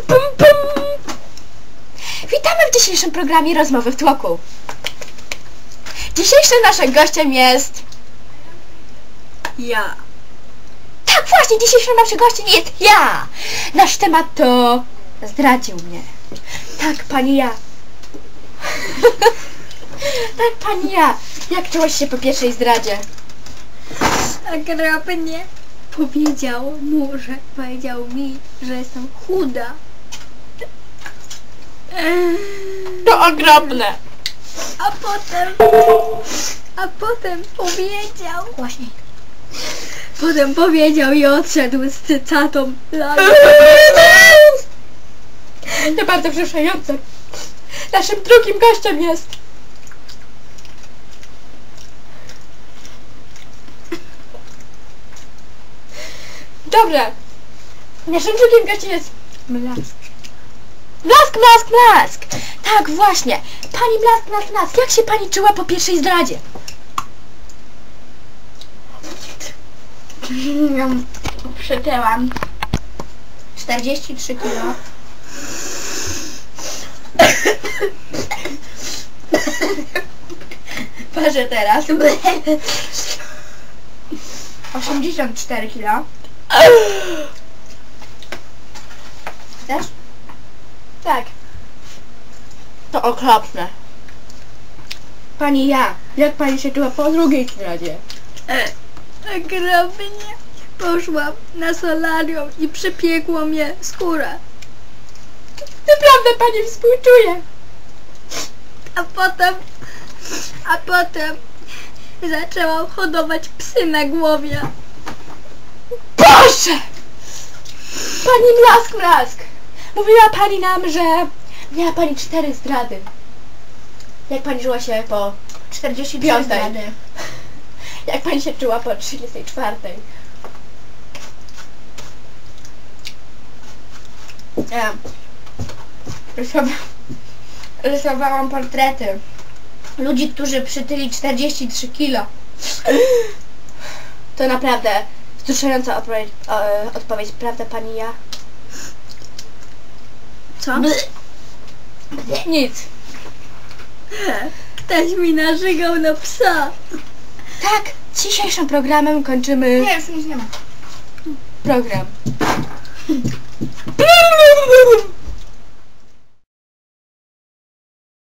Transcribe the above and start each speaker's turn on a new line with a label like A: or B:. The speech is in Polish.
A: Pum, pum. Witamy w dzisiejszym programie Rozmowy w tłoku. Dzisiejszym naszym gościem jest...
B: ja.
A: Tak, właśnie, dzisiejszym naszym gościem jest ja. Nasz temat to... Zdradził mnie. Tak, pani ja. Tak, pani ja. Jak czułaś się po pierwszej zdradzie?
B: Okropnie. Powiedział mi, że jestem chuda.
A: To okropne.
B: A potem powiedział...
A: Głośniej.
B: Potem powiedział i odszedł z cycatą.
A: To bardzo wzruszające. Naszym drugim gościem jest... Dobra. Naszym drugim gościem jest...
B: Blask.
A: Blask. Tak, właśnie. Pani Blask. Jak się pani czuła po pierwszej zdradzie? Przytyłam 43 kilo. Patrzę teraz 84 kilo. Chcesz? Tak. To okropne. Pani ja, jak pani się czuła po drugiej zdradzie?
B: Okropnie. Poszłam na solarium i przypiekło mnie skóra.
A: Naprawdę pani współczuje.
B: A potem zaczęłam hodować psy na głowie.
A: Boże! Pani Blask. Mówiła pani nam, że miała pani 4 zdrady. Jak pani czuła się po 45 zdrady? Jak pani się czuła po 34? Ja rysowałam portrety ludzi, którzy przytyli 43 kilo. To naprawdę wzruszająca odpowiedź, prawda pani ja?
B: Co?
A: Nic.
B: Ktoś mi narzygał na psa.
A: Tak, dzisiejszym programem kończymy...
B: Nie, już nic nie ma.
A: Program.